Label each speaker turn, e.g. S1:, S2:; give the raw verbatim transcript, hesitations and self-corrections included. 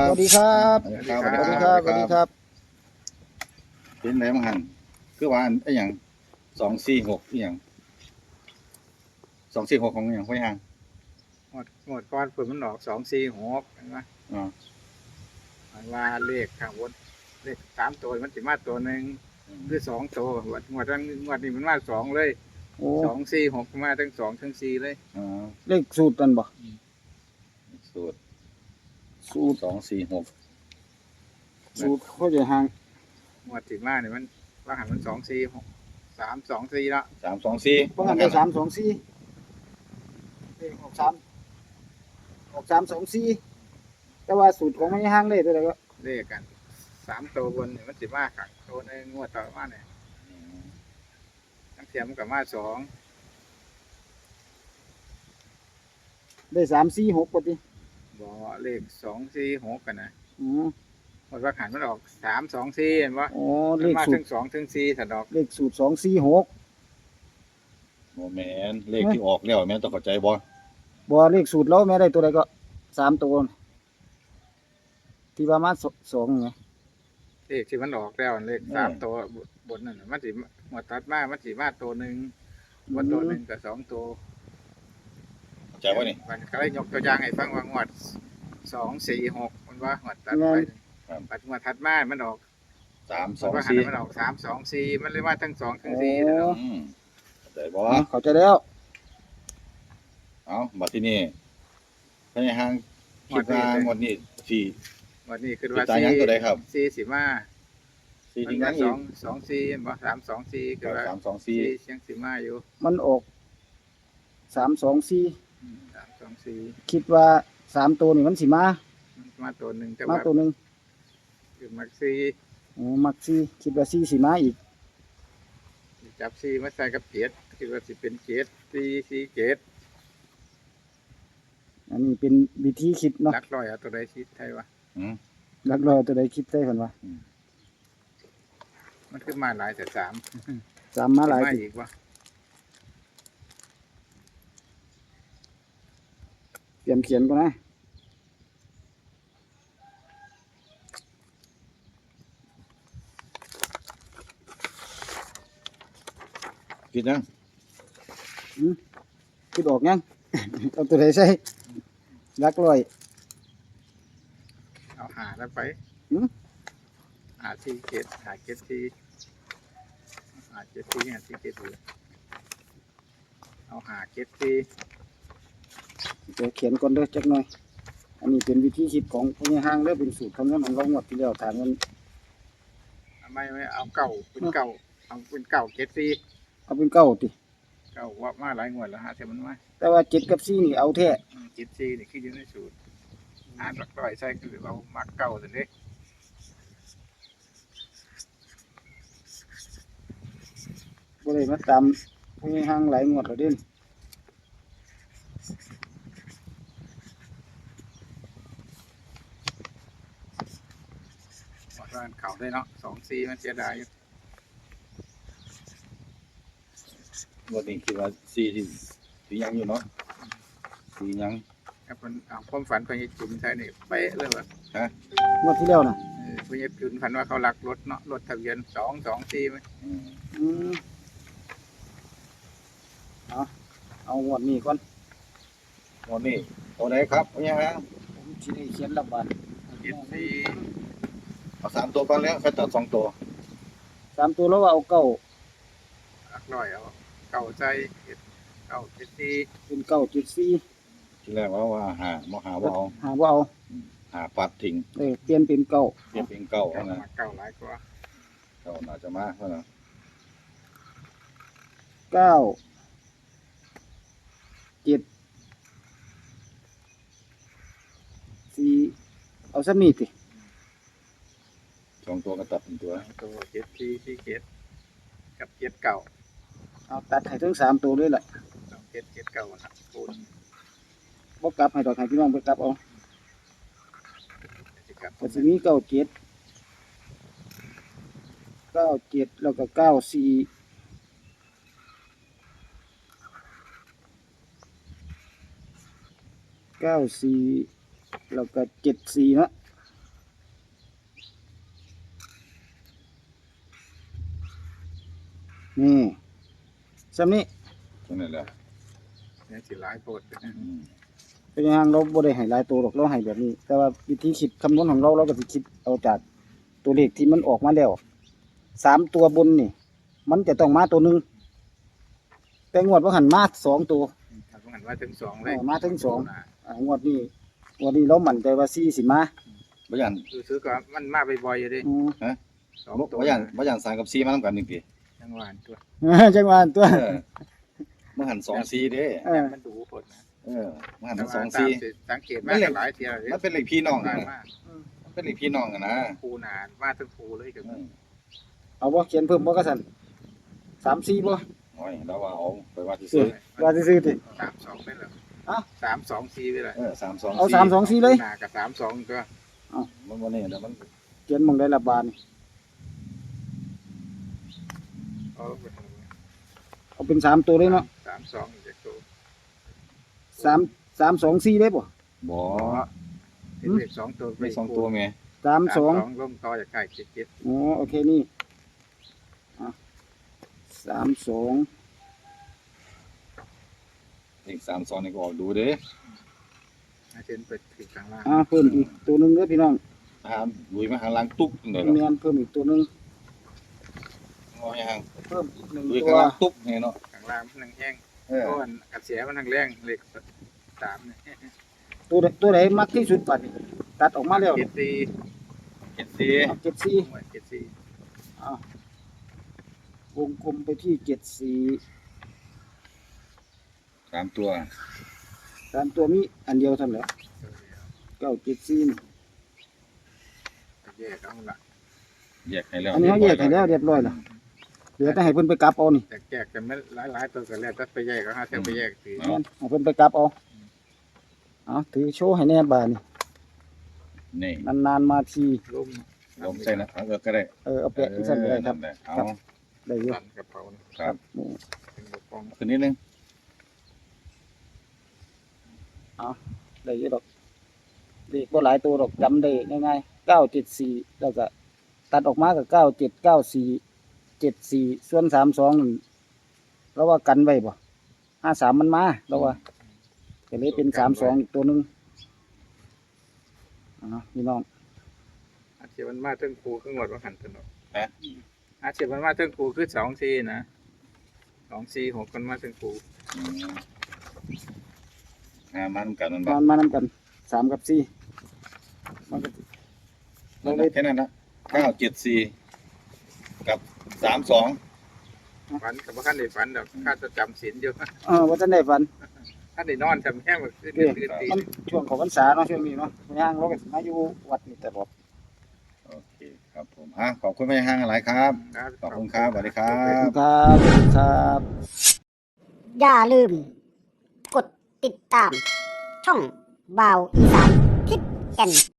S1: สวัสดีครับ
S2: สวัสดีครับ
S1: สวัสดีครับสวัสดีครับ
S2: เป็นไหนบ้างหันคือว่าไอ้หยังสองสี่หกอีหยังสองสี่หกของอหย่างไว้ห่าง
S3: หมดหมดก้อนฝนมันออกสองสี่หกเห็นไหม
S2: อ๋อ
S3: มันว่าเลขข้างบนเลขสามตัวมันสิมาตัวหนึ่งหรือสองตัวงวดงวดนั้นงวดนี้มันมาสองเลย
S1: โอ้
S3: สองสี่หกมาทั้งสองทั้งสี่เลย
S2: อ๋อ
S1: เลขสูตรนั่นบ่
S2: สูตร
S1: สูตร
S2: สองสี่หก
S1: สูตรเขาจะห่าง
S3: งวดที่มาเนี่ยมันว่าหันมันสองสี่หกสามสองสี่ละ
S2: สามสองสี่
S1: เพราะงั้นได้สามสองสี่เลขออกสามออกสามสองสี่แต่ว่าสูตรของไม่ห่างเลยตัวใดก็
S3: เลขกันสามตัวบนเนี่ยมันสิมาขังตัวหนึงงวดต่อมาเนี่ยทั้งเทียมนกับมาสอง
S1: ได้สามสี่หกปกติ
S3: บอกเลขสองสี่หกกันนะ
S1: อืม
S3: หมดว่าหันมันออกสามสองสี่เห็นปะ
S1: อ๋อ
S3: มั
S1: เล
S3: น
S1: ข
S3: มา
S1: สู
S3: ทั้
S1: ตรง
S3: สองทั้งสี่ถัดดอก
S1: เลขสูตรสองสี่หก
S2: โมแมนเลขที่ออกแล้วแม่นต้องเข้าใจบ่
S1: บ่เลขสูตรแล้วแม่ได้ตัวใดก็สามตัวน่ะที่ว่ามาสสองไง
S3: เลขที่มันออกแล้วเลขสามตัวบนนั่นน่ะมันสิหมดตัดมามันสิมาตัวหนึ่งบนตัวหนึ่งกับสองตัว
S2: เข้าใจบ่นี่
S3: มันก็เลยยกตัวอย่างให้ฟังว่างวดสองสี่หกมันว่าหมดตัดไปปัดงวดถัดมามันออก
S2: สามส
S3: มั
S2: อน ง
S3: ว่าหัน
S2: สี่
S3: มันออกสามสองสี่มันเลยว่าทั้งสองทั้งสี่นะเนาะ
S2: อืมเข้าใจบ่
S1: อ๋อเข้าใจแล้ว
S2: เอาบัดที่นี่ไอ้ห่างคิดว่างวดนี้สี่
S3: วันนี้คือ
S2: ติด
S3: ว่า
S2: ตาม
S3: สี่
S2: ยังตัวใดครับ
S3: สี่สิมา
S2: สี่
S3: มัน
S2: ที่
S3: ก็
S2: ยัง
S3: ส
S2: อี
S3: อก งสองสี่บ่สามสองสี่คือว่า
S2: สามสองสี่
S3: สี่เชียงสีมาอยู่
S1: มันออกสามสองสี่
S3: อืมสามสองสี่
S1: คิดว่าสามตัวนี่มันสิมา
S3: มันมาตัวหนึ่งแต่
S1: มา
S3: ว่า
S1: ตัวหนึ่ง
S3: คือมักสี่
S1: อ๋อมักสี่คิดว่าสี่สิมาอีก
S3: จับสี่มาใส่กับเกียรคือว่าสิเป็นเกียรสี่สี่เกียร
S1: อันนี้เป็นวิธีคิดเนาะ
S3: นักร้อยเอาตัวใดคิดไทยวะ
S2: อืม
S1: หลักร้อยตัวใดคิดได้เพิ่นว่า
S3: มันขึ้นมาหลายแต่สาม
S1: สามมาหลาย
S3: มา
S1: ติ
S3: อีกวะ
S1: เตรียมเขียนก่อนนะ
S2: คิดยัง
S1: คิดออกยัง เอาตัวใดใส่หลักร้อย
S3: เอาหาแล้วไป
S1: หืม
S3: หาสี่เกียรหาเกียรสี่หาเกียรสี่หาสี่เกียรสี่เอาหาเกียรสี่
S1: เดี๋ยวเขียนก่อนเด้อจักหน่อย อันนี้เป็นวิธีคิดของพญาห้างเด้อเป็นสูตรคำนวณของเราหมดที่แล้วถามมัน
S3: เอาไม่ไม่เอาเก่าเป็นเก่าเอาเป็นเก่าเกียรสี่
S1: เอาเป็นเก้าติ
S3: เก่าว่ามาหลายงวดแล้วหาแต่มันมา
S1: แต่ว่าเจ็ดกับสี่นี่เอาแท้
S3: อืมเกียรสี่นี่คืออยู่ในสูตรหาหลักร้อยใช่คือเรามักเก่าสิเด้
S1: บ่ได้มาตามพญาห้างหลายงวดแล้วเด่น
S3: หมดว่าเข่าได้เนาะสองสี่มันเสียดายอยู่
S2: งวดนี้คิดว่าสี่ที่ที่ยังอยู่เนาะสี่ยัง
S3: ถ้าเป็นเอาความฝันพญาจุนใช่นี่เป๊ะเลยว่ะ
S1: งวดที่แล้วน่ะ
S3: เออพญาจุนฝันว่าเขาลักรถเนาะรถทะเบียนสองสองสี่ไหม
S2: อืม
S1: อืมเอาเอางวดนี้ก่อน
S2: งวดนี้ตัวไหนครับเนี่ยฮะ
S1: ผมสิได้เขียนลำบาก
S3: เกียรสี่
S2: เอาสามตัวก่อนแล้วค่อยตัดสองตัว
S1: สามตัวแล้วว่าเอาเก้า
S3: หลักร้อยเอาเก่าใจเกียรเก่าเกียรสี่
S1: เป็นเก้าเจ็ดสี่
S2: ที่แรกว่าว่าหาบ่หาว่าเอา
S1: หาว่าเอา
S2: หาปัดทิ้ง
S1: เออเปลี่ยนเป็นเก้า
S2: เปลี่ยนเป็นเก้า
S3: เก่า
S2: เท่านั้น
S3: มาเก่าหลายกว่า
S2: เก้าน่าจะมาเท่านั้น
S1: เก้าเจ็ดสี่เอาสักนิดสิ
S2: สองตัวก็ตัดเป็นตัว
S3: ตัวเกียรสี่สี่เกียรกับเกียรเก่า
S1: เอาตัดให้ทั้งสามตัวเลยแหละ
S3: สองเกียรเกียรเก่าครับปูน
S1: บ่กลับให้ดอกให้พี่น้องไปกลับเอา
S3: สิครับ
S1: ก็สิมีเก้าเจ็ดเก้าเจ็ดแล้วก็เก้าสี่เก้าสี่แล้วก็เจ็ดสี่เนาะนี่ซ้ำนี้
S2: ตรงนั้นแหละ
S3: เนี่ยสิหลายโพด
S2: อืม
S1: เป็นยังไงเราบ่ได้ให้หลายตัวหรอกเราให้แบบนี้ แต่ว่าวิธีคิดคำนวณของเราเราก็สิคิดเอาจากตัวเลขที่มันออกมาแล้วสามตัวบนนี่ มันจะต้องมาตัวหนึงแต่งวดว่าหันมาสองตัว
S3: ถ้าต้องหันว่าถึงสองเลย
S1: เออมาถึงสอง อ่างวดนี้งวดนี้เรามั่นใจว่าสี่สิมา
S2: บ่ยัน
S3: คือซื้อก็มันมาบ่อยๆอยู่ดิ
S1: อืม
S3: สอง
S2: บ่
S3: ตัว
S2: บ่ยันบ่ยันสามกับสี่มานํกันหนึ่งปี
S3: จังหวะตัว
S1: จังหวะตัว
S2: เออเมื่อหันสองสี่เด้
S1: เออ
S3: มันดูโพดนะ
S2: เออเมื่อหัน
S3: แต่
S2: ส
S3: ว่า
S2: อง
S3: ตาม
S2: สี่
S3: ที่สังเกตมาหลายเที่ยวเลย
S2: มันเป็นเลขพี่น้อง
S3: หลา
S2: นะ
S3: ยมาก
S2: มันเป็นเลขพี่น้องกันนะ
S3: ภูนานมาทั้งภูเลยกับ
S2: อืม
S1: เอาบ่เขียนเพิ่มบ่กระสันสามสี่บ่
S2: โอ้ยแล้วว่าเอาไปว่าที่
S1: ซื้
S2: ซื้
S1: อ
S2: อ
S1: ว่าซื้อๆติ
S3: สามสองไปเลย
S1: อ่ะ
S3: สามสองสี่ไปเลย
S2: เออสามสอง
S1: เอาสามสองสี่เลย
S3: นากับสามสองก็
S2: มันบ่นี่แล้วมัน
S1: เขียนหมองได้ละบาทนี่
S3: เอาไป
S1: เอาเป็นสามตัวเลยเนาะ
S3: สามสองอีกตัว
S1: สามสามสองสี่เลยบ่
S2: บ่
S3: เป็นเลขสองตัว
S2: ไม่สองตัวแม่
S1: สามสอง
S3: ลงต่อจากไก่เจ็ดเจ็ด
S1: อ๋อโอเคนี่อ่ะสามสอง
S2: เลขสามสองนี่ก็ออกดูเด้
S3: อาเช่นเปิดถึงกลางล่าง
S1: อ่าเพิ่มอีกตัวหนึงเด้อพี่น้อง
S2: ถามลุยมาหาหลังตุ๊บจังได๋ล่ะ
S1: แม่นเพิ่มอีกตัวหนึง
S2: งอยัง
S1: เพิ่มอีกหนึ่ง
S2: ลุย
S1: ตั
S2: ข้าว งหลังตุ๊บไงเนาะ
S3: กลางล่างมันนั่งแห้ง
S2: เออ
S3: ก้อนกระเสียมันนั่งแรงเลขสามเนี่ย
S1: ตัวใดตัวไหนมักที่สุดบัดนี้ตัดออกมาแล้ว
S3: เจ็ดสี่
S2: เจ็ดสี่
S1: เอาเจ็ดสี่
S3: หมวดเจ็ดสี่
S1: อ่ะวงกลมไปที่เจ็ดสี่
S2: สามตัว
S1: สามตัวมีอันเดียวเท่านั้นแหละเก้าเจ็ดสี่นี่
S3: แยกเอาละ
S2: แยกให้แล้ว
S1: อันนี้เขาแยกให้แล้วเรียบร้อยแล้วเหลือแต่ให้เพิ่นไปกลับเอานี่
S3: แจกแจกกันไม่หลายๆตัวกันแล้วก็ไปแยกก็ห้าเท่าไปแยกสี
S1: แม่นให้เพิ่นไปกลับเอาเอาถือโชว์ให้แน่บาดนี่
S2: นี่
S1: นานๆมาที
S3: ลุ่ม
S2: ลมใส่นะเออก็ได้
S1: เออเอาแปะอีกสั่นก็ได้ครับ
S2: เออนั่นแหละเอา
S1: ได้อยู่
S3: ตันกระเพรา
S2: ครับ
S1: นี่
S3: เป็นกระป๋อง
S2: ขึ้นนิดนึง
S1: ได้อยู่ดอกเลขบ่หลายตัวดอกจำได้ง่ายๆเก้าเจ็ดสี่แล้วก็ตัดออกมาก็เก้าเจ็ดเก้าสี่เจ็ดสี่ส่วนสามสองนั่นเราว่ากันไว้บ่ห้าสามมันมาเราว่าก็เลยเป็นสามสองอีกตัวหนึงอ่าพี่น้อง
S3: อาเชียมันมาเทิงครูขึ้นหมดว่าหันถนน
S2: ฮะ
S3: อาเชียมันมาเทิงครูคือสองสี่นะสองสี่หกคนมาเทิงครู
S2: อืมงานมันกันมัน
S1: มา
S2: บ้าง
S1: มานำกันสามกับสี่มันก็
S2: นั่นแหละแค่นั้นนะเก้าเจ็ดสี่กับสามสอง
S3: ฝันกับว่าขั้นได้ฝันดอกข้าจะจำศีลอยู่
S1: เออว่าจะได้ฝัน
S3: ขั้นได้นอนจำแห้งแบบขึ้นตื่นตี
S1: มันช่วงของพรรษาเนาะช่วงนี้เนาะย่างเราก็สิมาอยู่วัดนี่ตลอด
S2: โอเคครับผมอ่ะขอบคุณแม่ห้างอะไรครับ ขอบคุณครับสวัสดีครั
S1: ขอบบ คุณครับสวัสดีครับ
S4: อย่าลืม กดติดตาม ช่องบาวอีสานทิศแก่น